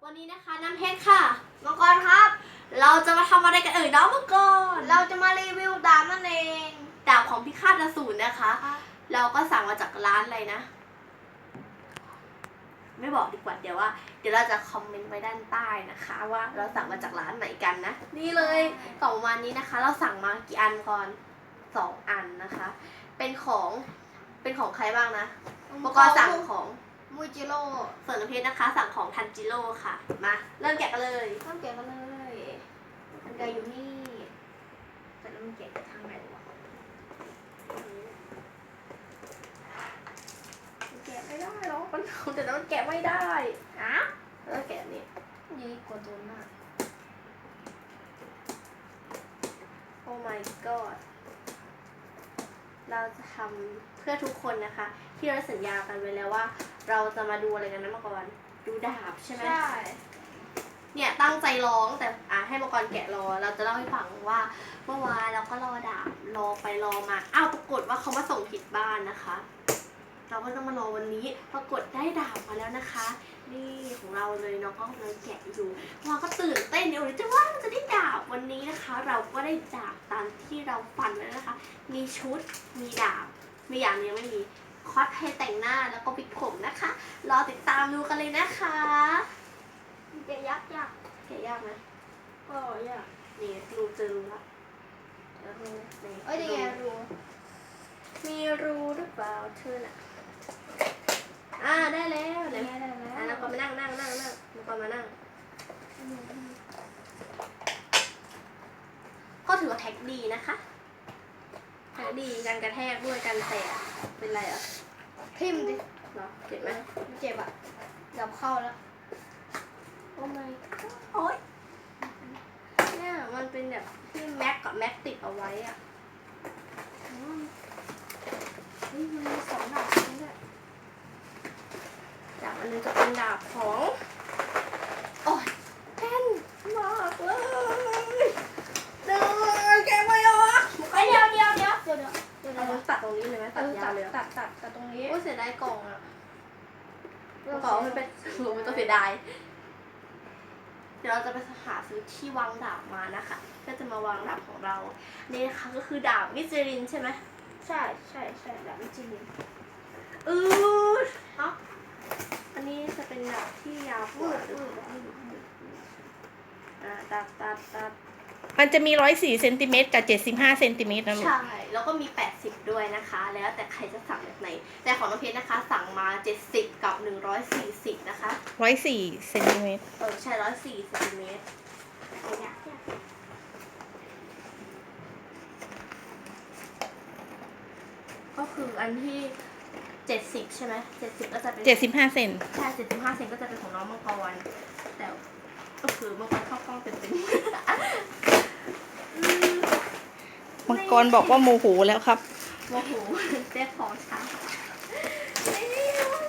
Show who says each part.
Speaker 1: วันนี้นะคะน้ำเพชรค่ะ
Speaker 2: มังกรครับ
Speaker 1: เราจะมาทำอะไรกันน้องมังกร
Speaker 2: เราจะมารีวิวดาบนั่นเอง
Speaker 1: ดาบของพิฆาตอสูรนะคะเราก็สั่งมาจากร้านอะไรนะไม่บอกดีกว่าเดี๋ยวเราจะคอมเมนต์ไว้ด้านใต้นะคะ ว่าเราสั่งมาจากร้านไหนกันนะนี่เลยกล่องวันนี้นะคะ เราสั่งมากี่อันก่อน2 อันนะคะ เป็นของใครบ้างนะมังกรสั่งของ
Speaker 2: มูจิโร่
Speaker 1: ส่วนน้ำเพชรนะคะ สั่งของทันจิโร่ค่ะมาเริ่มแกะกันเลย
Speaker 2: ต้องแกะกันเลยมันแกะอยู่นี่แต่แล้วมันแกะทางไหนวะ
Speaker 1: แกะไม่ได้หรอกมันแต่มันแกะไม่ได้อะแล้วแกะนี่
Speaker 2: ยี่กว่าตัวมาก
Speaker 1: โอ้ my god เราจะทำเพื่อทุกคนนะคะ ที่เราสัญญากันไว้แล้วว่า เราจะมาดูอะไรกันนะมังกรดูดาบใช่ไหม
Speaker 2: ใช่
Speaker 1: เนี่ยตั้งใจร้องแต่ให้มังกรแกะรอเราจะเล่าให้ฟังว่าเมื่อวานเราก็รอดาบรอไปรอมาปรากฏว่าเขามาส่งผิดบ้านนะคะเราก็ต้องมารอวันนี้ปรากฏได้ดาบมาแล้วนะคะนี่ของเราเลยน้องก็เลยแกะอยู่เราก็ตื่นเต้นเดี๋ยวจะว่าจะได้ดาบวันนี้นะคะ เราก็ได้ดาบตามที่เราฝันไว้แล้วนะคะมีชุดมีดาบมีอย่างนี้ไม่มีคอสเพลย์แต่งหน้าแล้วก็ปิดผมนะคะรอติดตามดูกันเลยนะคะ
Speaker 2: แกะยาก
Speaker 1: แกะยากไหม
Speaker 2: ก็ยาก
Speaker 1: นี่รูเจอรูละ
Speaker 2: รูนี่ไงรู
Speaker 1: มีรูหรือเปล่าเธอน่ะได้แล้ว
Speaker 2: ได้แล้ว
Speaker 1: แล้วก็มานั่งแล้วก็มานั่งก็ถือว่าแท็กดีนะคะแท็กดีกันกระแทกด้วยกันแตกเป็นไรอ่ะ
Speaker 2: ทิ่มดิ
Speaker 1: เหรอเจ็บไหม
Speaker 2: เจ็บอ่ะดับเข้าแล้ว
Speaker 1: โอ้ my god โอ๊ยเนี่ยมันเป็นแบบที่แม็กกับแม็กติดเอาไว้อ่ะ
Speaker 2: นี่มันมี2 ดาบนี่ด้วย
Speaker 1: ดาบอันนึงจะเป็นดาบของโอ้ยแน่นมากเลยเดินแกไม่ออก
Speaker 2: เดี๋ยว
Speaker 1: เราตัดตรงนี้เลยไหมตัดยาวเลย
Speaker 2: ตัดตรงนี้
Speaker 1: โอ้เสียดายกล่องอ่ะกล่องมันเป็นมันต้องเสียดายเดี๋ยวเราจะไปหาซื้อที่วางดาบมานะคะก็จะมาวางดาบของเรานี่นะคะก็คือดาบมิสลินใช่ไหม
Speaker 2: ใช่ดาบมิสลิน
Speaker 1: อันนี้จะเป็นดาบที่ยาวกว่าตัด
Speaker 3: มันจะมี104 เซนติเมตรกับ75 เซนติเมตรนะลูก
Speaker 1: ใช่แล้วก็มี80ด้วยนะคะแล้วแต่ใครจะสั่งแบบไหนแต่ของน้องเพชรนะคะสั่งมา70กับ140นะคะ
Speaker 3: 104 เซนติเมตร
Speaker 1: ใช่104 เซนติเมตรก็คืออันที่70ใช่ไหม70ก็จะเป็น
Speaker 3: 75 เซน
Speaker 1: ใช่75 เซนก็จะเป็นของน้องมังกรแต่ก็คือมังกรเข้ากล้องเป็น
Speaker 3: มังกรบอกว่าโมโหแล้วครับ
Speaker 1: โมโหเรียกของช้า